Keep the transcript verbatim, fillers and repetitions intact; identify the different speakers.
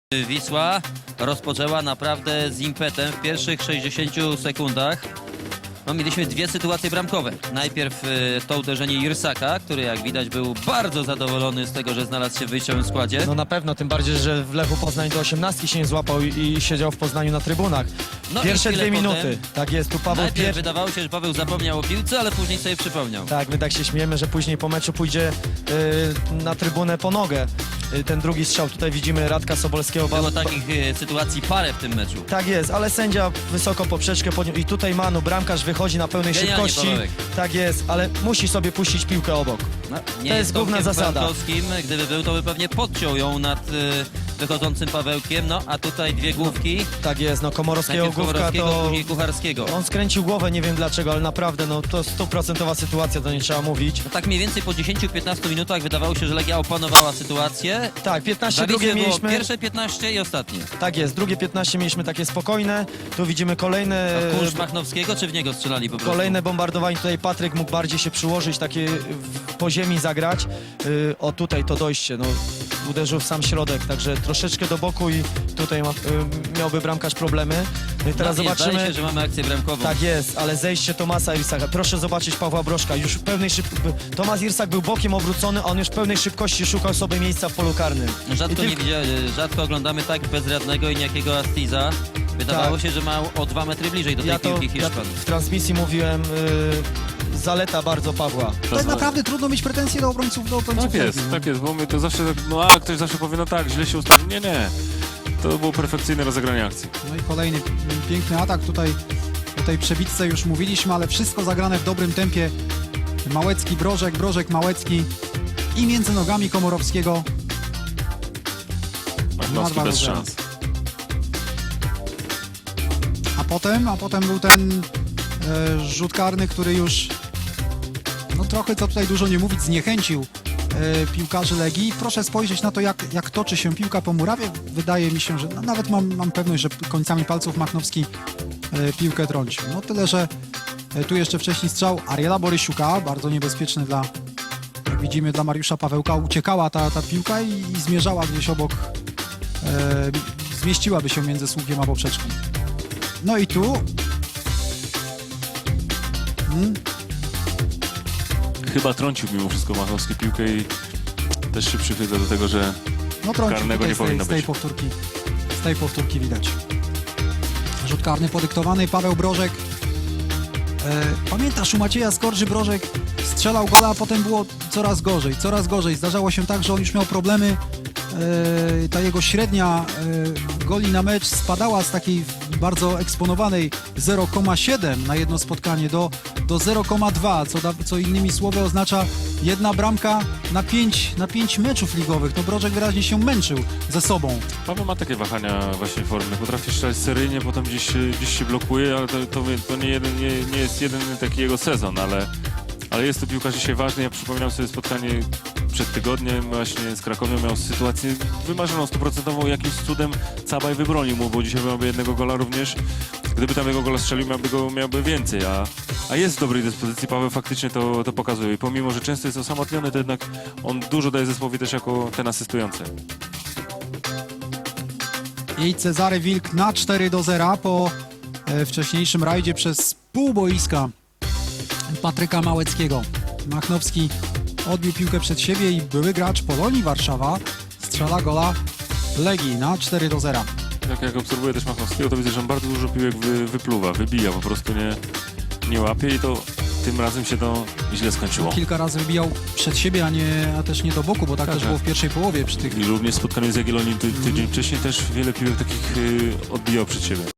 Speaker 1: Wisła rozpoczęła naprawdę z impetem w pierwszych sześćdziesięciu sekundach. No, mieliśmy dwie sytuacje bramkowe. Najpierw y, to uderzenie Irsaka, który jak widać był bardzo zadowolony z tego, że znalazł się w wyjściowym składzie.
Speaker 2: No na pewno, tym bardziej, że w Lechu Poznań do osiemnastki się nie złapał i, i siedział w Poznaniu na trybunach.
Speaker 1: No
Speaker 2: Pierwsze
Speaker 1: i
Speaker 2: dwie
Speaker 1: chwilę
Speaker 2: minuty.
Speaker 1: potem,
Speaker 2: Tak jest, tu Paweł
Speaker 1: najpierw
Speaker 2: pier...
Speaker 1: wydawało się, że Paweł zapomniał o piłce, ale później sobie przypomniał.
Speaker 2: Tak, my tak się śmiejemy, że później po meczu pójdzie y, na trybunę po nogę. Y, ten drugi strzał, tutaj widzimy Radka Sobolskiego.
Speaker 1: Było takich y, sytuacji parę w tym meczu.
Speaker 2: Tak jest, ale sędzia wysoko poprzeczkę podniósł i tutaj Manu, bramkarz wychodzi na pełnej
Speaker 1: Genialnie,
Speaker 2: szybkości.
Speaker 1: Pawełek.
Speaker 2: Tak jest, ale musi sobie puścić piłkę obok.
Speaker 1: No, nie
Speaker 2: To jest główna
Speaker 1: Tomkiem
Speaker 2: zasada.
Speaker 1: Kwiatkowskim. Gdyby był, to by pewnie podciął ją nad y, wychodzącym Pawełkiem. No a tutaj dwie główki.
Speaker 2: Tak jest, no Komorowskiego
Speaker 1: Najpierw
Speaker 2: główka
Speaker 1: Komorowskiego,
Speaker 2: to...
Speaker 1: później Kucharskiego.
Speaker 2: On skręcił głowę, nie wiem dlaczego, ale naprawdę, no to stuprocentowa sytuacja, to nie trzeba mówić.
Speaker 1: No tak mniej więcej po dziesięciu piętnastu minutach wydawało się, że Legia opanowała sytuację.
Speaker 2: Tak, piętnaście,
Speaker 1: Dla
Speaker 2: drugie
Speaker 1: Wisły było
Speaker 2: mieliśmy...
Speaker 1: pierwsze piętnaście i ostatnie.
Speaker 2: Tak jest, drugie piętnaście mieliśmy takie spokojne, tu widzimy kolejne...
Speaker 1: A kurz Machnowskiego, czy w niego strzelali po prostu?
Speaker 2: Kolejne bombardowanie, tutaj Patryk mógł bardziej się przyłożyć, takie w- po ziemi zagrać. Yy, o tutaj to dojście, no uderzył w sam środek, także troszeczkę do boku i tutaj ma, yy, miałby bramkarz problemy. No i teraz
Speaker 1: no, nie,
Speaker 2: zobaczymy...
Speaker 1: Zdaje się, że mamy akcję bramkową.
Speaker 2: Tak jest, ale zejście Tomasa Irsaka. Proszę zobaczyć Pawła Brożka. Już w pełnej szyb... Tomasz Irsak był bokiem obrócony, a on już w pełnej szybkości szukał sobie miejsca w polu karnym.
Speaker 1: Rzadko,
Speaker 2: I
Speaker 1: nie widzia... rzadko oglądamy tak bezradnego i niejakiego Astiza. Wydawało
Speaker 2: Tak.
Speaker 1: się, że ma o dwa metry bliżej do tej
Speaker 2: Ja to
Speaker 1: piłki
Speaker 2: ja
Speaker 1: Hiszpan.
Speaker 2: w transmisji mówiłem, yy, zaleta bardzo Pawła.
Speaker 3: To jest naprawdę trudno mieć pretensje do obrońców, do obrońców.
Speaker 4: Tak jest,
Speaker 3: Legii.
Speaker 4: tak jest, bo my to zawsze, tak, no a ktoś zawsze powie, no tak, źle się ustawił. Nie, nie. To było perfekcyjne rozegranie akcji.
Speaker 3: No i kolejny piękny atak tutaj. O tej przebitce już mówiliśmy, ale wszystko zagrane w dobrym tempie. Małecki, Brożek, Brożek, Małecki i między nogami Komorowskiego.
Speaker 4: Machnowski
Speaker 3: dwa do
Speaker 4: bez
Speaker 3: zera.
Speaker 4: szans.
Speaker 3: A potem, a potem był ten e, rzut karny, który już no trochę, co tutaj dużo nie mówić, zniechęcił e, piłkarzy Legii. Proszę spojrzeć na to, jak, jak toczy się piłka po murawie. Wydaje mi się, że no, nawet mam, mam pewność, że końcami palców Machnowski e, piłkę trącił. No tyle, że e, tu jeszcze wcześniej strzał Ariela Borysiuka, bardzo niebezpieczny dla, jak widzimy, dla Mariusza Pawełka. Uciekała ta, ta piłka i, i zmierzała gdzieś obok, e, zmieściłaby się między słupkiem a poprzeczką. No i tu hmm,
Speaker 4: Chyba trącił mimo wszystko Machnowski piłkę i też się przychyla do tego, że
Speaker 3: no trącił
Speaker 4: Karnego
Speaker 3: tutaj
Speaker 4: nie
Speaker 3: z tej,
Speaker 4: powinno
Speaker 3: z tej
Speaker 4: być.
Speaker 3: powtórki, z tej powtórki widać. Rzut karny podyktowany, Paweł Brożek. E, pamiętasz, u Macieja Skorży Brożek strzelał gola, a potem było coraz gorzej, coraz gorzej. Zdarzało się tak, że on już miał problemy. E, ta jego średnia e, goli na mecz spadała z takiej bardzo eksponowanej zero przecinek siedem na jedno spotkanie do, do zero przecinek dwa, co, da, co innymi słowy oznacza jedna bramka na pięć, na pięć meczów ligowych. No Brożek wyraźnie się męczył ze sobą.
Speaker 4: Paweł ma takie wahania właśnie formy. Potrafi strzelać seryjnie, potem gdzieś, się- gdzieś się blokuje, ale to, to, to nie, jeden, nie, nie jest jeden taki jego sezon, ale, ale jest to piłkarz dzisiaj ważny. Ja przypominam sobie spotkanie przed tygodniem właśnie z Krakowią, miał sytuację wymarzoną, stuprocentową, jakimś cudem Cabaj wybronił mu, bo dzisiaj miałby jednego gola również. Gdyby tam jego gola strzelił, miałby go miałby więcej, a, a jest w dobrej dyspozycji. Paweł faktycznie to, to pokazuje. I pomimo, że często jest osamotniony, to jednak on dużo daje zespołowi też jako ten asystujący.
Speaker 3: I Cezary Wilk na cztery do zera po e, wcześniejszym rajdzie przez pół boiska Patryka Małeckiego. Machnowski odbił piłkę przed siebie i były gracz Polonii Warszawa strzela gola Legii na cztery do zera.
Speaker 4: Tak jak obserwuję też Machnowskiego, to widzę, że on bardzo dużo piłek wy, wypluwa, wybija, po prostu nie, nie łapie i to tym razem się to źle skończyło.
Speaker 3: Kilka razy wybijał przed siebie, a, nie, a też nie do boku, bo tak,
Speaker 4: Tak,
Speaker 3: też
Speaker 4: tak.
Speaker 3: było w pierwszej połowie przy tych
Speaker 4: I również w spotkaniu z Jagiellonią ty, tydzień wcześniej też wiele piłek takich y, odbijał przed siebie.